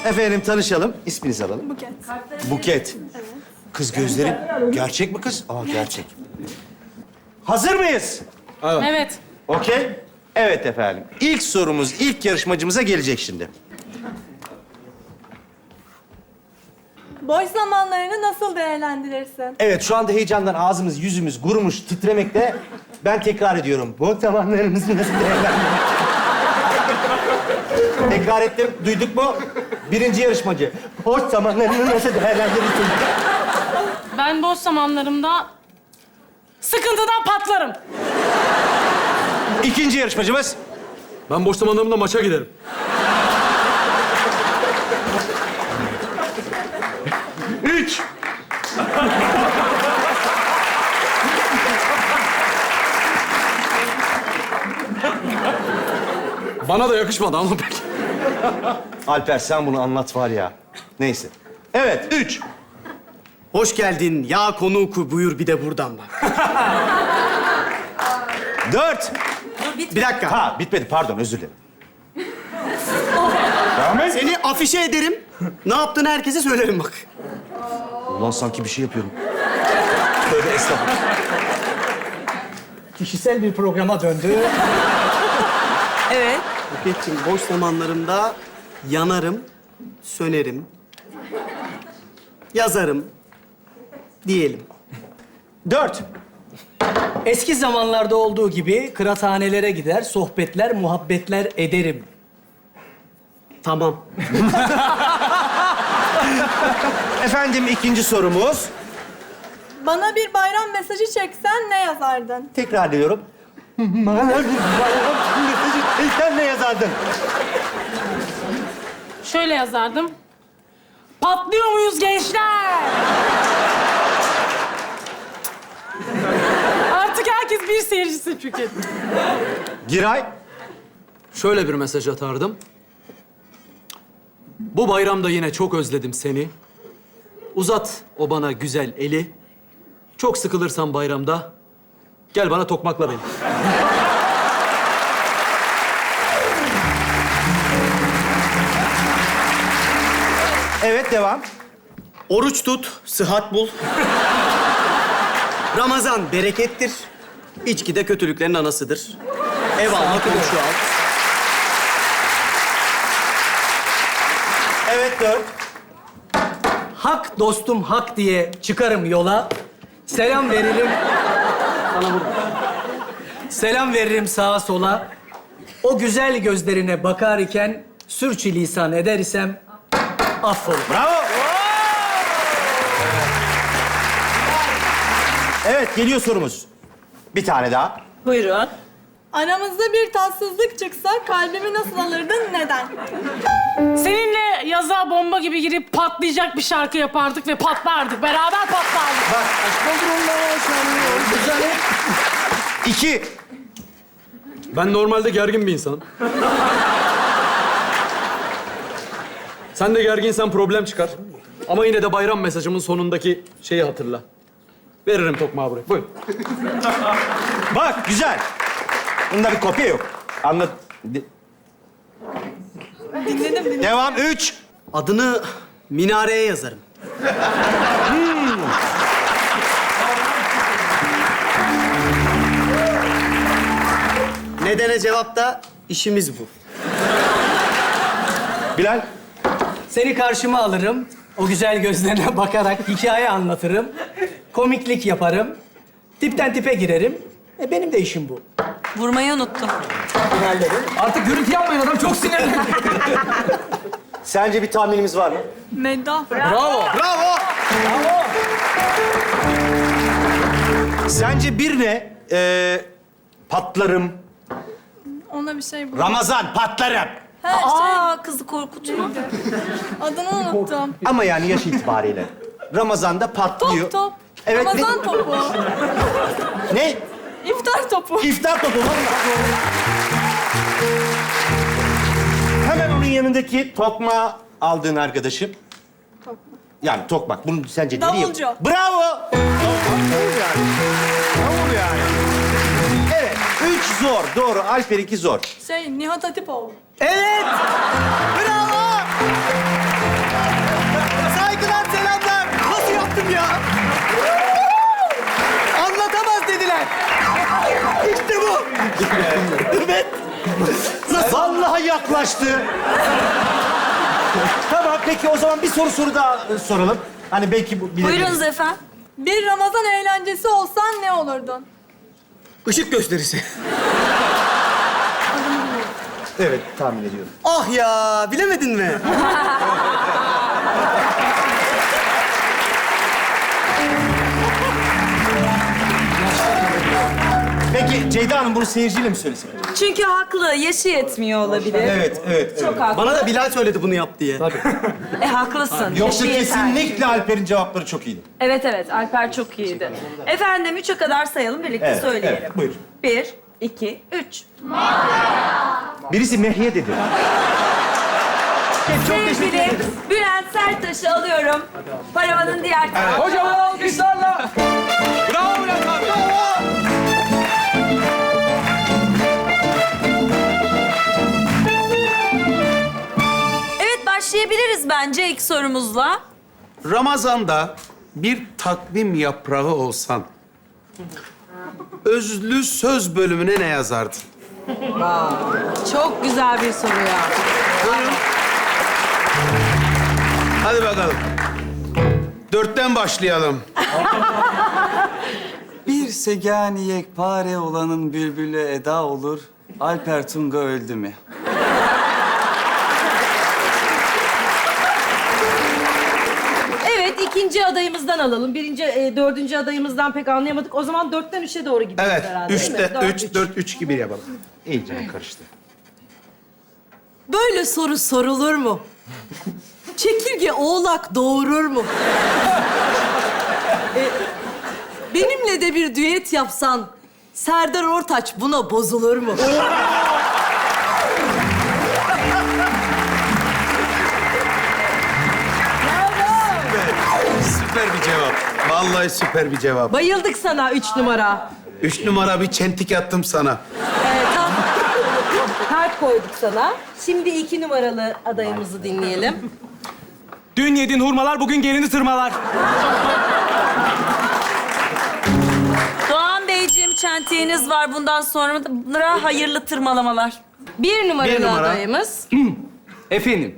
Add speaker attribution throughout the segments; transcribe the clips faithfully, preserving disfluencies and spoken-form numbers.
Speaker 1: Efendim tanışalım. İsminizi alalım.
Speaker 2: Buket.
Speaker 1: Buket.
Speaker 2: Evet.
Speaker 1: Kız gözleri gerçek mi kız? Aa gerçek. Hazır mıyız?
Speaker 3: Evet.
Speaker 1: Okey. Evet efendim. İlk sorumuz ilk yarışmacımıza gelecek şimdi.
Speaker 2: Boş zamanlarını nasıl değerlendirirsin?
Speaker 1: Evet şu anda heyecandan ağzımız yüzümüz kurumuş titremekte. Ben tekrar ediyorum. Bu zamanlarımızı nasıl değerlendirelim? Tekrar ettim. Duyduk mu? Birinci yarışmacı. Boş zamanlarını nasıl değerlendirirsin?
Speaker 3: Ben boş zamanlarımda sıkıntıdan patlarım.
Speaker 1: İkinci yarışmacımız.
Speaker 4: Ben boş zamanlarımda maça giderim.
Speaker 1: Üç.
Speaker 4: Bana da yakışmadı ama peki.
Speaker 1: Alper sen bunu anlat var ya. Neyse. Evet, üç.
Speaker 5: Hoş geldin ya konuğu buyur bir de buradan bak.
Speaker 1: Dört.
Speaker 5: Bir dakika.
Speaker 1: Ha bitmedi pardon özür dilerim.
Speaker 5: Seni afişe ederim. Ne yaptığını herkese söylerim bak.
Speaker 1: Ulan sanki bir şey yapıyorum. Tövbe estağfurullah.
Speaker 6: Kişisel bir programa döndü.
Speaker 2: Evet.
Speaker 5: Buket'ciğim boş zamanlarımda yanarım, sönerim, yazarım diyelim.
Speaker 1: Dört.
Speaker 6: Eski zamanlarda olduğu gibi kıraathanelere gider, sohbetler, muhabbetler ederim.
Speaker 5: Tamam.
Speaker 1: Efendim ikinci sorumuz.
Speaker 2: Bana bir bayram mesajı çeksen ne yazardın?
Speaker 1: Tekrar ediyorum. Bana bir bayram mesajı çeksen ne yazardın?
Speaker 3: Şöyle yazardım. Patlıyor muyuz gençler? Artık herkes bir seyircisi çünkü.
Speaker 1: Giray.
Speaker 4: Şöyle bir mesaj atardım. Bu bayramda yine çok özledim seni. Uzat o bana güzel eli. Çok sıkılırsan bayramda gel bana tokmakla beni.
Speaker 1: Evet devam.
Speaker 5: Oruç tut, sıhhat bul. Ramazan berekettir. İçki de kötülüklerin anasıdır. Ev alma, komşu al.
Speaker 1: Evet dört.
Speaker 6: Hak dostum hak diye çıkarım yola. Selam veririm. Bana vurma. Selam veririm sağa sola. O güzel gözlerine bakar iken sürçülisan eder isem affola.
Speaker 1: Bravo. Evet geliyor sorumuz. Bir tane daha.
Speaker 3: Buyurun.
Speaker 2: Aramızda bir tatsızlık çıksa kalbimi nasıl alırdın, neden?
Speaker 3: Seninle yaza bomba gibi girip patlayacak bir şarkı yapardık ve patlardık. Beraber patlardık.
Speaker 1: Bak. İki.
Speaker 4: Ben normalde gergin bir insanım. Sen de gerginsen problem çıkar. Ama yine de bayram mesajımın sonundaki şeyi hatırla. Veririm tokmağı buraya. Buyur.
Speaker 1: Bak güzel. Bunda bir kopya yok. Anlat. De-
Speaker 2: Dinledim, dinledim.
Speaker 1: Devam. Üç.
Speaker 5: Adını minareye yazarım. Nedene cevap da işimiz bu.
Speaker 1: Bilal.
Speaker 6: Seni karşıma alırım. O güzel gözlerine bakarak hikaye anlatırım. Komiklik yaparım. Tipten tipe girerim. E benim de işim bu.
Speaker 7: Vurmayı unuttum.
Speaker 4: Artık gürültü yapmayın, adam çok sinirli.
Speaker 1: Sence bir tahminimiz var mı?
Speaker 2: Meddah.
Speaker 4: Bravo.
Speaker 5: Bravo!
Speaker 1: Sence bir ne? Ee, patlarım.
Speaker 2: Ona bir şey bul.
Speaker 1: Ramazan patlarım.
Speaker 2: Ha, şey,
Speaker 7: Aa, kızı korkutma.
Speaker 2: adını unuttum.
Speaker 1: Ama yani yaş itibariyle. Ramazan'da patlıyor.
Speaker 2: Top top.
Speaker 1: Evet,
Speaker 2: Ramazan
Speaker 1: ne-
Speaker 2: topu.
Speaker 1: Ne?
Speaker 2: İftar topu.
Speaker 1: İftar topu. vallahi. Hemen onun yanındaki tokma aldığın arkadaşım. Yani tokmak. Bunu sence nereye?
Speaker 2: Davulcu.
Speaker 1: Bravo. Davul yani. Davul yani. Evet. Üç zor. Doğru. Alper'inki zor.
Speaker 2: Şey, Nihat Hatipoğlu.
Speaker 6: Evet!
Speaker 2: Bravo.
Speaker 6: yaptım ya. Anlatamaz dediler. İşte bu.
Speaker 1: Evet. Vallahi yaklaştı. Tamam peki o zaman bir soru soru daha e, soralım. Hani belki bu bilebiliriz.
Speaker 7: Buyurunuz efendim.
Speaker 2: Bir Ramazan eğlencesi olsan ne olurdun?
Speaker 5: Işık gösterisi.
Speaker 1: Evet tahmin ediyorum.
Speaker 5: Ah ya, bilemedin mi?
Speaker 1: Peki Ceyda Hanım bunu seyirciyle mi söylesin?
Speaker 7: Çünkü haklı. Yaşı yetmiyor olabilir.
Speaker 1: Evet, evet.
Speaker 7: Çok haklı.
Speaker 5: Bana da Bilal söyledi bunu yap diye.
Speaker 7: E haklısın.
Speaker 1: Yoksa
Speaker 7: Yaşı yeter.
Speaker 1: kesinlikle Alper'in cevapları çok iyiydi.
Speaker 7: Evet evet. Alper çok iyiydi. Efendim üçe kadar sayalım. Birlikte
Speaker 1: Evet,
Speaker 7: söyleyelim.
Speaker 1: evet, buyurun.
Speaker 7: Bir, iki, üç.
Speaker 1: Birisi Mehye dedi.
Speaker 7: Sevgili Bülent Serttaş'ı alıyorum. Paravanın diğer tarafı.
Speaker 6: Kocaman alkışlarla. Bravo Bülent abi.
Speaker 7: Evet başlayabiliriz bence ilk sorumuzla.
Speaker 8: Ramazan'da bir takvim yaprağı olsan, özlü söz bölümüne ne yazardın?
Speaker 3: Çok güzel bir soru ya.
Speaker 8: Hadi bakalım. Dörtten başlayalım.
Speaker 9: Bir segani yekpare olanın bülbülü eda olur. Alper Tunga öldü mü?
Speaker 10: Evet, ikinci adayımızdan alalım. Birinci, e, dördüncü adayımızdan pek anlayamadık. O zaman dörtten üçe doğru gidiyoruz
Speaker 8: Evet,
Speaker 10: herhalde. değil mi?
Speaker 8: üçte,
Speaker 10: Dört,
Speaker 8: üç, dört, üç gibi yapalım.
Speaker 1: İyice karıştı.
Speaker 10: Böyle soru sorulur mu? Çekirge oğlak doğurur mu? E, benimle de bir düet yapsan, Serdar Ortaç buna bozulur mu?
Speaker 8: Süper bir cevap. Vallahi süper bir cevap.
Speaker 10: Bayıldık sana üç numara.
Speaker 8: Üç numara bir çentik attım sana.
Speaker 10: Evet, tam kalp koyduk sana. Şimdi iki numaralı adayımızı dinleyelim.
Speaker 6: Dün yediğin hurmalar bugün gelini tırmalar.
Speaker 7: Doğan Beyciğim çentiğiniz var. Bundan sonra hayırlı tırmalamalar.
Speaker 10: Bir numaralı
Speaker 8: Bir numara.
Speaker 10: adayımız.
Speaker 6: Efendim.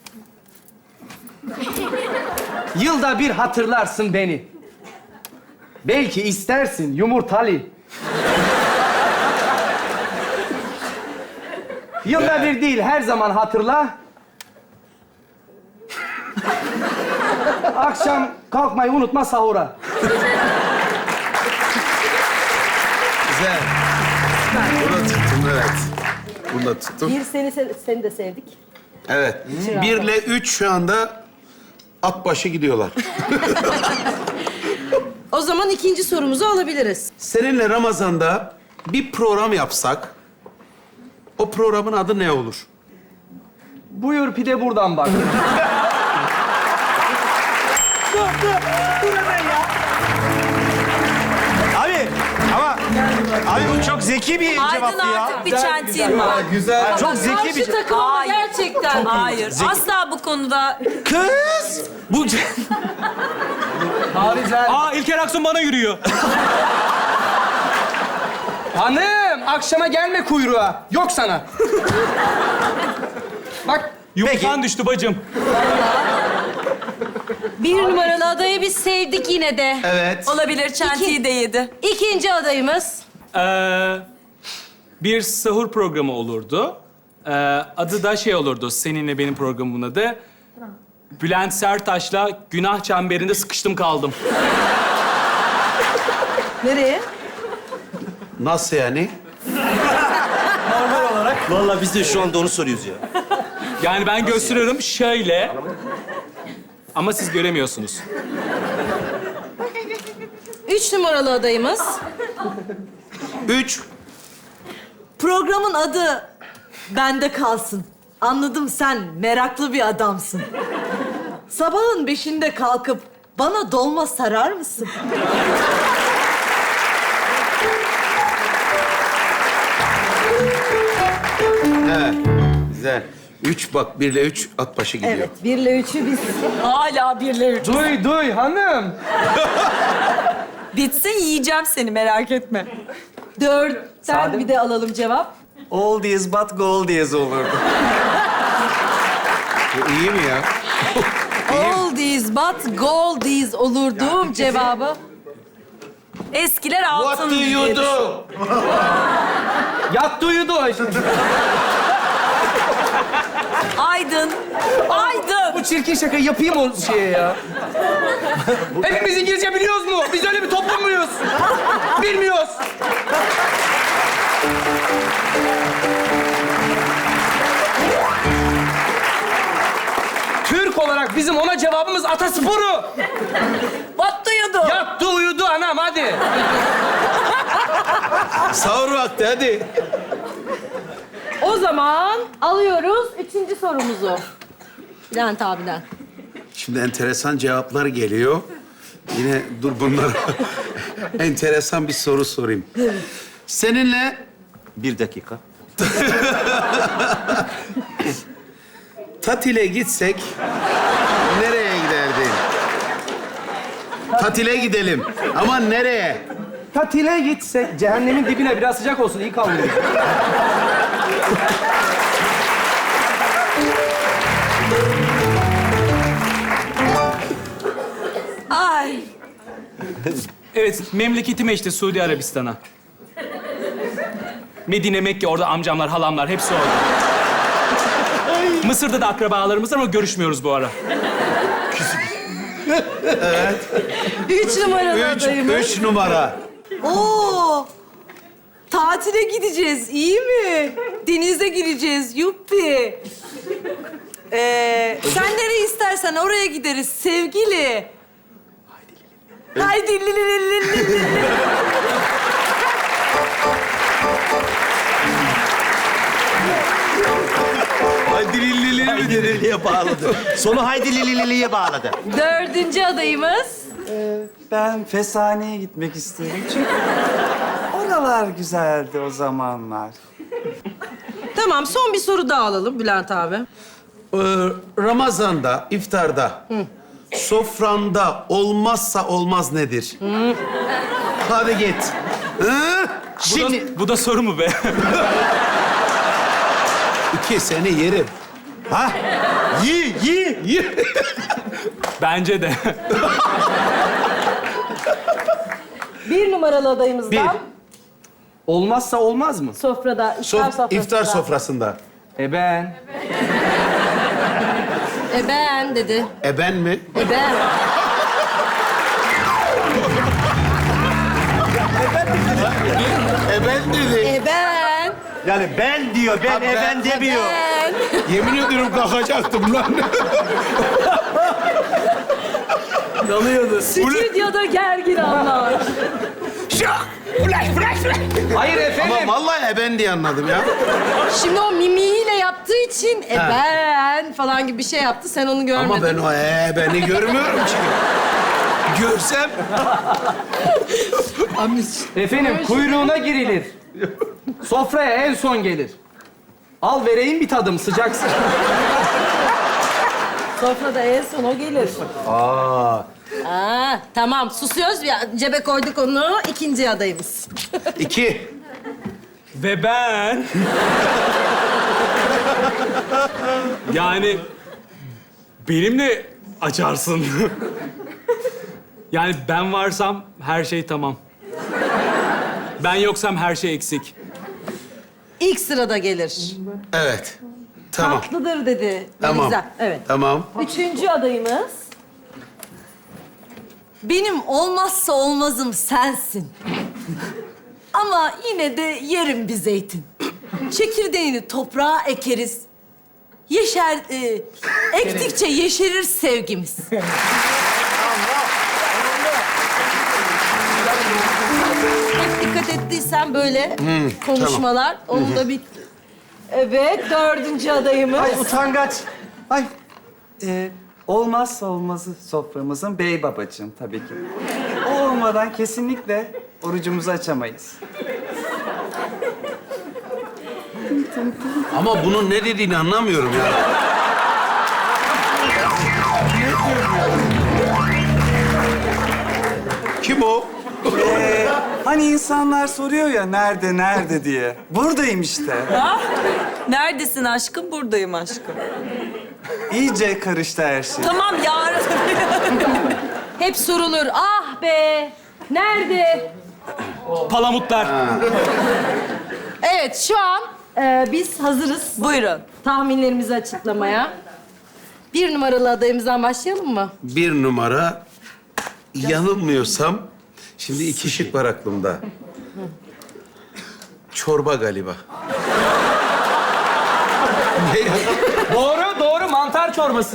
Speaker 6: Yılda bir hatırlarsın beni. Belki istersin yumurtalı. Yılda bir değil, her zaman hatırla. Akşam kalkmayı unutma sahura.
Speaker 8: Güzel. Bunu tuttum, evet. Bunu da tuttum.
Speaker 10: Bir seni, seni de sevdik.
Speaker 8: Evet. Birle üç şu anda at başı gidiyorlar.
Speaker 10: O zaman ikinci sorumuzu alabiliriz.
Speaker 8: Seninle Ramazan'da bir program yapsak, o programın adı ne olur?
Speaker 6: Buyur pide buradan bak.
Speaker 1: Abi ama abi bu çok zeki bir
Speaker 7: Aydın
Speaker 1: cevaptı ya.
Speaker 7: artık bir çentiğim var.
Speaker 9: Güzel.
Speaker 1: Çok zeki bir
Speaker 10: Karşı takımı
Speaker 7: Hayır.
Speaker 10: gerçekten.
Speaker 7: Hayır. Asla bu konuda
Speaker 1: kız. Bu
Speaker 6: Aa İlker Aksun bana yürüyor. Hanım akşama gelme kuyruğa. Yok sana. Bak yumurtan düştü bacım.
Speaker 10: Bir numaralı adayı biz sevdik yine de.
Speaker 8: Evet.
Speaker 7: olabilir çentiği de yedi.
Speaker 10: İkinci adayımız.
Speaker 11: Ee, bir sahur programı olurdu. Ee, adı da şey olurdu, seninle benim programımın adı. Bülent Serttaş'la günah çemberinde sıkıştım kaldım.
Speaker 10: Nereye?
Speaker 8: Nasıl yani?
Speaker 1: Vallahi biz de şu anda onu soruyoruz ya.
Speaker 11: Yani ben gösteriyorum şöyle. Ama siz göremiyorsunuz.
Speaker 10: Üç numaralı adayımız.
Speaker 8: Üç.
Speaker 10: Programın adı bende kalsın. Anladım, sen meraklı bir adamsın. Sabahın beşinde kalkıp bana dolma sarar mısın?
Speaker 8: Evet. Güzel. Üç bak, birle üç at başı gidiyor.
Speaker 10: Evet, birle üçü biz.
Speaker 7: Hala birleri.
Speaker 6: Duy, duy hanım.
Speaker 7: Bitsin yiyeceğim seni merak etme.
Speaker 10: Dörtten bir de alalım cevap.
Speaker 9: Oldies but goldies olurdu.
Speaker 8: Bu iyi mi ya?
Speaker 10: Oldies but goldies olurdu cevabı.
Speaker 7: Eskiler
Speaker 8: What
Speaker 7: altın
Speaker 8: do you
Speaker 7: diye
Speaker 8: do?
Speaker 6: Yattı uyudu o işte.
Speaker 7: Aydın. Aydın.
Speaker 6: Bu çirkin şakayı yapayım o şeye ya. Hepimiz İngilizce biliyoruz mu? Biz öyle bir toplum muyuz? Bilmiyoruz. Türk olarak bizim ona cevabımız atasporu.
Speaker 7: What do you do?
Speaker 6: Yattı uyudu anam hadi.
Speaker 8: Sahur vakti hadi.
Speaker 10: O zaman alıyoruz üçüncü sorumuzu. Bülent abiden.
Speaker 8: Şimdi enteresan cevaplar geliyor. Yine dur bunlara enteresan bir soru sorayım. Seninle
Speaker 1: Bir dakika.
Speaker 8: tatile gitsek nereye giderdin? Tatile gidelim. Ama nereye?
Speaker 6: Tatile gitsek cehennemin dibine biraz sıcak olsun iyi kalmıyor.
Speaker 7: Ay.
Speaker 11: Evet, memleketime işte Suudi Arabistan'a. Medine, Mekke, orada amcamlar, halamlar hepsi orada. Mısır'da da akrabalarımız var ama görüşmüyoruz bu ara.
Speaker 10: Üç numaralı
Speaker 8: Üç,
Speaker 10: adayımız.
Speaker 8: üç numara.
Speaker 10: Oo! Tatile gideceğiz, iyi mi? Denize gireceğiz, yuppi. Ee, sen nereye istersen oraya gideriz sevgili. Haydi li li li li li li.
Speaker 1: Haydi lililiye mi dedi? Liliye bağladı. Sonu haydi lililiye bağladı.
Speaker 10: Dördüncü adayımız.
Speaker 9: Ben Fesane'ye gitmek isterim çünkü oralar güzeldi o zamanlar.
Speaker 10: Tamam, son bir soru daha alalım Bülent abi.
Speaker 8: Ee, Ramazan'da, iftarda, sofranda olmazsa olmaz nedir? Hadi git. Hı?
Speaker 11: Şimdi... Bu da, bu da soru mu be?
Speaker 8: İki seni yerim.
Speaker 1: Ha? Yi, yi, yi.
Speaker 11: Bence de.
Speaker 10: Bir numaralı adayımızdan.
Speaker 8: Bir.
Speaker 6: Olmazsa olmaz mı?
Speaker 10: Sofrada, iftar
Speaker 8: Sof-
Speaker 10: sofrasında.
Speaker 8: iftar sofrasında.
Speaker 6: E ben.
Speaker 10: E ben dedi.
Speaker 8: E ben mi?
Speaker 10: E ben.
Speaker 8: E ben dedi.
Speaker 10: E ben.
Speaker 1: Yani ben diyor, ben
Speaker 8: Ha,
Speaker 1: e
Speaker 8: ben-
Speaker 1: ben demiyor.
Speaker 10: Ben.
Speaker 8: Yemin ediyorum kalkacaktım lan.
Speaker 6: Yanıyordu.
Speaker 10: Stüdyoda gergin anlar.
Speaker 6: Hayır efendim.
Speaker 8: Ama vallahi e ben diye anladım ya.
Speaker 10: Şimdi o mimiğiyle yaptığı için e
Speaker 8: Ha.
Speaker 10: ben falan gibi bir şey yaptı. Sen onu görmedin.
Speaker 8: Ama ben o e beni görmüyorum ki. Görsem
Speaker 6: Efendim kuyruğuna girilir. Sofraya en son gelir. Al vereyim bir tadım sıcaksın.
Speaker 10: Sofrada en son o gelir.
Speaker 8: Aa,
Speaker 10: Aa, tamam susuyoruz ya. Cebe koyduk onu. İkinci adayımız.
Speaker 8: iki.
Speaker 11: Ve ben... yani... Benimle açarsın. Yani ben varsam her şey tamam. Ben yoksam her şey eksik.
Speaker 10: İlk sırada gelir.
Speaker 8: Evet. Tamam.
Speaker 10: Tatlıdır dedi.
Speaker 8: Tamam.
Speaker 10: Güzel. Evet.
Speaker 8: Tamam.
Speaker 10: Üçüncü adayımız.
Speaker 7: Benim olmazsa olmazım sensin. Ama yine de yerim bir zeytin. Çekirdeğini toprağa ekeriz. Yeşer, e, ektikçe yeşerir sevgimiz.
Speaker 10: Hep dikkat ettiysen böyle konuşmalar. Onu da bir... Evet, dördüncü adayımız.
Speaker 9: Ay utangaç. Ay. Ee, olmazsa olmazı soframızın bey babacığım tabii ki. O olmadan kesinlikle orucumuzu açamayız.
Speaker 8: Ama bunun ne dediğini anlamıyorum ya. Kim o?
Speaker 9: Ee, hani insanlar soruyor ya nerede, nerede diye. Buradayım işte.
Speaker 7: Neredesin aşkım? Buradayım aşkım.
Speaker 9: İyice karıştı her şey.
Speaker 7: Tamam yarın.
Speaker 10: Hep sorulur. Ah be! Nerede?
Speaker 11: Palamutlar.
Speaker 10: Evet, şu an e, biz hazırız
Speaker 7: Buyurun.
Speaker 10: tahminlerimizi açıklamaya. Bir numaralı adayımızdan başlayalım mı?
Speaker 8: Bir numara, yanılmıyorsam, şimdi iki şık var aklımda. Çorba galiba. Ne ya?
Speaker 6: Doğru, doğru. Mantar çorbası.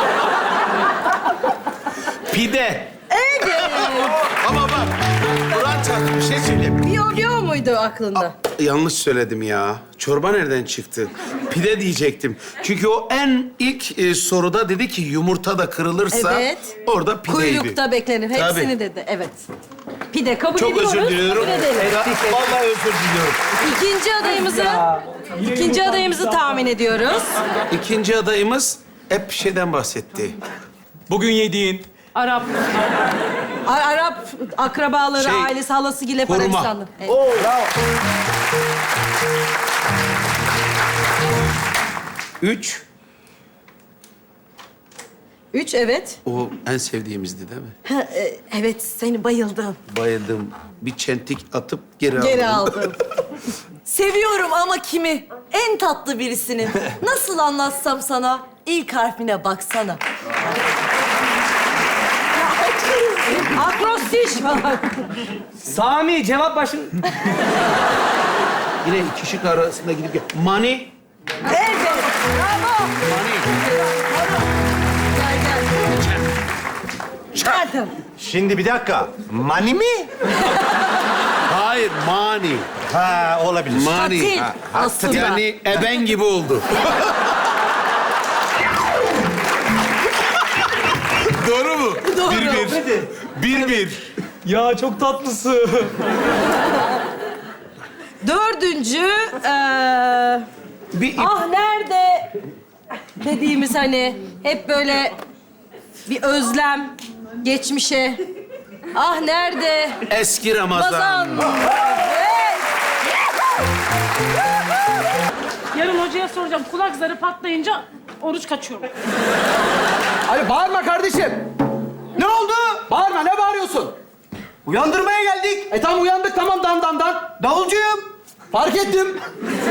Speaker 8: Pide. Evet. Ama bak, Kur'an çarptı, bir şey söyleyeyim.
Speaker 10: Biyo biyo muydu aklında?
Speaker 8: Yanlış söyledim ya. Çorba nereden çıktı? Pide diyecektim. Çünkü o en ilk e, soruda dedi ki yumurta da kırılırsa
Speaker 10: Evet.
Speaker 8: orada pideydi.
Speaker 10: Kuyrukta beklenir. Hepsini
Speaker 8: Tabii.
Speaker 10: dedi. Evet. Pide kabul
Speaker 8: Çok
Speaker 10: ediyoruz.
Speaker 8: özür diliyorum.
Speaker 10: kabul edelim.
Speaker 8: Ya, vallahi özür diliyorum.
Speaker 10: İkinci adayımızı, ikinci adayımızı tahmin ediyoruz.
Speaker 8: İkinci adayımız hep bir şeyden bahsetti.
Speaker 11: Bugün yediğin
Speaker 3: Arap.
Speaker 10: Ar- Arap akrabaları,
Speaker 8: Şey,
Speaker 10: ailesi, halası gibi hep
Speaker 8: hurma.
Speaker 10: Arabistanlı. Evet.
Speaker 8: Üç,
Speaker 10: Üç, evet.
Speaker 8: o en sevdiğimizdi değil mi?
Speaker 10: Ha, e, evet, seni bayıldım.
Speaker 8: Bayıldım. Bir çentik atıp geri,
Speaker 10: Geri
Speaker 8: aldım.
Speaker 10: aldım.
Speaker 7: Seviyorum ama kimi? En tatlı birisinin. Nasıl anlatsam sana? İlk harfine baksana.
Speaker 10: Akrostiş falan.
Speaker 6: Sami, cevap başın...
Speaker 8: Yine iki şık arasında gidip gel. Money.
Speaker 7: Evet. Bravo. Gel gel.
Speaker 1: Şimdi bir dakika. Mani mi?
Speaker 8: Hayır, money.
Speaker 1: Ha, olabilir.
Speaker 8: Money.
Speaker 7: Tatil.
Speaker 8: Ha,
Speaker 7: Aslında.
Speaker 8: Yani eben gibi oldu. Doğru mu?
Speaker 7: Doğru.
Speaker 8: Bir bir. Bir bir.
Speaker 11: Ya çok tatlısı.
Speaker 10: Dördüncü, eee
Speaker 8: Bir ip.
Speaker 10: ah nerede dediğimiz hani hep böyle bir özlem geçmişe. Ah nerede?
Speaker 8: Eski Ramazan.
Speaker 10: Ramazan. Evet.
Speaker 3: Yarın hocaya soracağım. Kulak zarı patlayınca oruç kaçıyorum.
Speaker 6: Ay bağırma kardeşim.
Speaker 5: Ne oldu?
Speaker 6: Bağırma, ne bağırıyorsun?
Speaker 5: Uyandırmaya geldik.
Speaker 6: E tamam uyandık, tamam dan dan dan.
Speaker 5: Davulcuyum.
Speaker 6: Fark ettim.